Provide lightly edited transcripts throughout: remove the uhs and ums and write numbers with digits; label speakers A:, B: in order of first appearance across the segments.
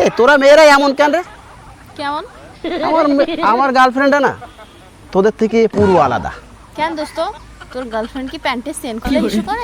A: তোরা মেয়েরা এমন কেন রে?
B: কেমন?
A: আমার গার্লফ্রেন্ডটা না তোদের থেকে পুরো আলাদা।
B: কেন দোস্ত, তোর গার্লফ্রেন্ড কি প্যান্টে সেন খুলে ইস্যু করে?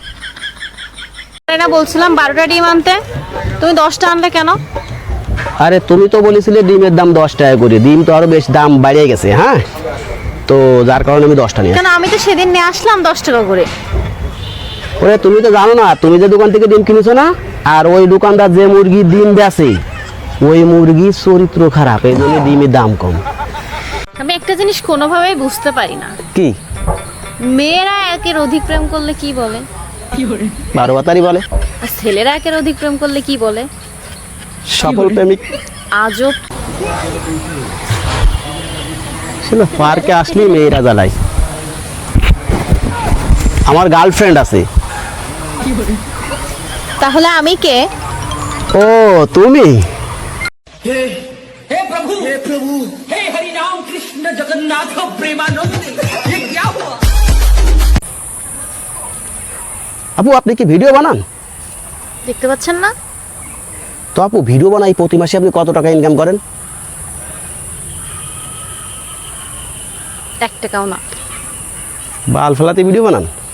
B: না বলছিলাম 12টা ডিম আনতে, তুমি 10টা আনলে কেন?
A: আরে তুমি তো বলেছিলে ডিমের দাম 10 টাকা করে, ডিম তো আরো বেশ দাম বাড়িয়ে গেছে। হ্যাঁ, তো যার কারণে আমি 10টা নিয়ে
B: কেন, আমি তো সেদিন নিয়ে আসলাম 10 টাকা করে।
A: ওরে তুমি তো জানো না, তুমি যে দোকান থেকে ডিম কিনেছো না, আর ওই দোকানদার যে মুরগি ডিম বেচে ওই মুরগির চরিত্র খারাপ, এই জন্য ডিমের দাম কম।
B: আমি একটা জিনিস কোনোভাবেই বুঝতে পারি না,
A: কি?
B: মেয়েরা একের অধিক প্রেম করলে কি বলে?
A: 12 বাতারি বলে।
B: আর ছেলেরা একের অধিক প্রেম করলে কি বলে?
A: সফল প্রেমিক।
B: আজব।
A: শুনো, পার্কে আসলেই মেয়েরা জ্বালায়। আমার গার্লফ্রেন্ড আছে।
B: তাহলে আমি কে?
A: ও তুমি?
C: हे प्रभु हे हरि राम कृष्ण जगन्नाथ प्रेमानंद ये क्या हुआ?
A: আপু আপনি কি ভিডিও বানান?
B: দেখতে পাচ্ছেন না?
A: তো আপু ভিডিও বানাই, প্রতি মাসে আপনি কত টাকা ইনকাম করেন?
B: 1 টাকাও না।
A: বাল ফেলাতে ভিডিও বানান?